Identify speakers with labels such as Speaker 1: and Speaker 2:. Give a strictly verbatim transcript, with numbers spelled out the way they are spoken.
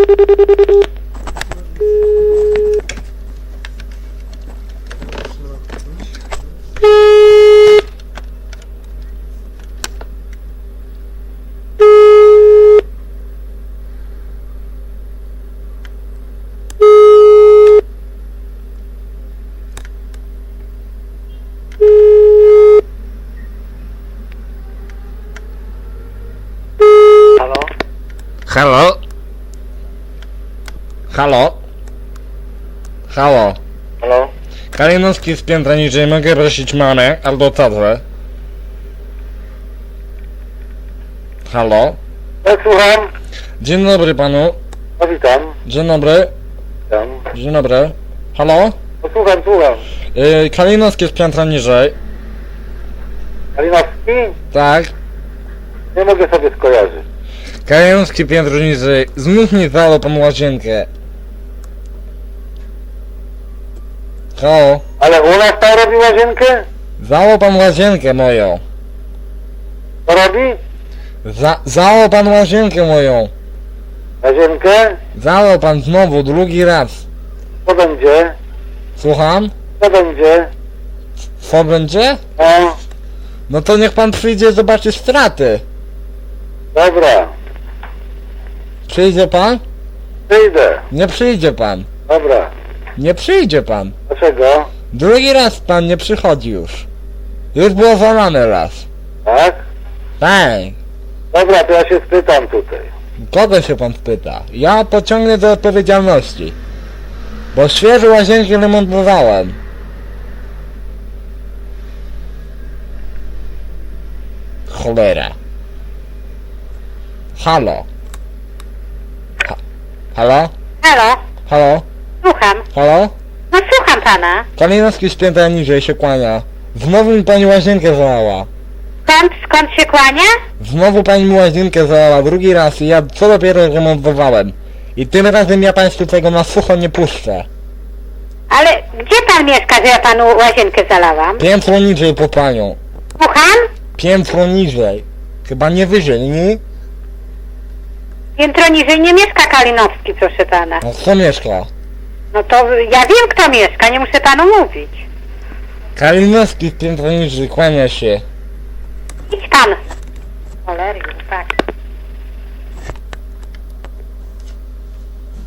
Speaker 1: Halo? Halo? Halo?
Speaker 2: Halo?
Speaker 1: Kalinowski z piętra niżej, mogę prosić mamę albo tatę? Halo?
Speaker 2: Ja słucham.
Speaker 1: Dzień dobry panu.
Speaker 2: No witam.
Speaker 1: Dzień dobry.
Speaker 2: Witam.
Speaker 1: Dzień dobry. Halo?
Speaker 2: No słucham, słucham.
Speaker 1: Yy, Kalinowski z piętra niżej.
Speaker 2: Kalinowski?
Speaker 1: Tak.
Speaker 2: Nie mogę sobie skojarzyć.
Speaker 1: Kalinowski piętro niżej. Znów mi zało pan łazienkę. Halo?
Speaker 2: Ale u nas tam robi łazienkę?
Speaker 1: Zało pan łazienkę moją.
Speaker 2: Co robi?
Speaker 1: Za zało pan łazienkę moją.
Speaker 2: Łazienkę?
Speaker 1: Zalał pan znowu, drugi raz.
Speaker 2: Co będzie?
Speaker 1: Słucham?
Speaker 2: Co będzie?
Speaker 1: Co będzie?
Speaker 2: No,
Speaker 1: No to niech pan przyjdzie zobaczyć straty.
Speaker 2: dobra.
Speaker 1: Przyjdzie pan?
Speaker 2: Przyjdę.
Speaker 1: Nie przyjdzie pan.
Speaker 2: Dobra.
Speaker 1: Nie przyjdzie pan.
Speaker 2: Dlaczego?
Speaker 1: Drugi raz pan nie przychodzi już. Już było zalane raz.
Speaker 2: Tak?
Speaker 1: Tak.
Speaker 2: Dobra, to ja się spytam tutaj.
Speaker 1: Kogo się pan spyta? Ja pociągnę do odpowiedzialności. Bo świeże łazienki remontowałem. Cholera. Halo. Ha Halo?
Speaker 3: Halo,
Speaker 1: Halo?
Speaker 3: słucham.
Speaker 1: Halo?
Speaker 3: No słucham pana.
Speaker 1: Kalinowski z piętra niżej się kłania. Znowu mi pani łazienkę zalała.
Speaker 3: Skąd, skąd się kłania?
Speaker 1: Znowu pani mi łazienkę zalała, drugi raz i ja co dopiero remontowałem. I tym razem ja państwu tego na sucho nie puszczę.
Speaker 3: Ale gdzie pan mieszka, że ja panu łazienkę zalałam?
Speaker 1: Piętro niżej po panią.
Speaker 3: Słucham?
Speaker 1: Piętro niżej. Chyba nie wyżej, nie?
Speaker 3: Piętro niżej nie mieszka Kalinowski, proszę pana.
Speaker 1: No kto mieszka?
Speaker 3: No to ja wiem, kto mieszka, nie muszę panu mówić.
Speaker 1: Kalinowski z piętro niżej, kłania się.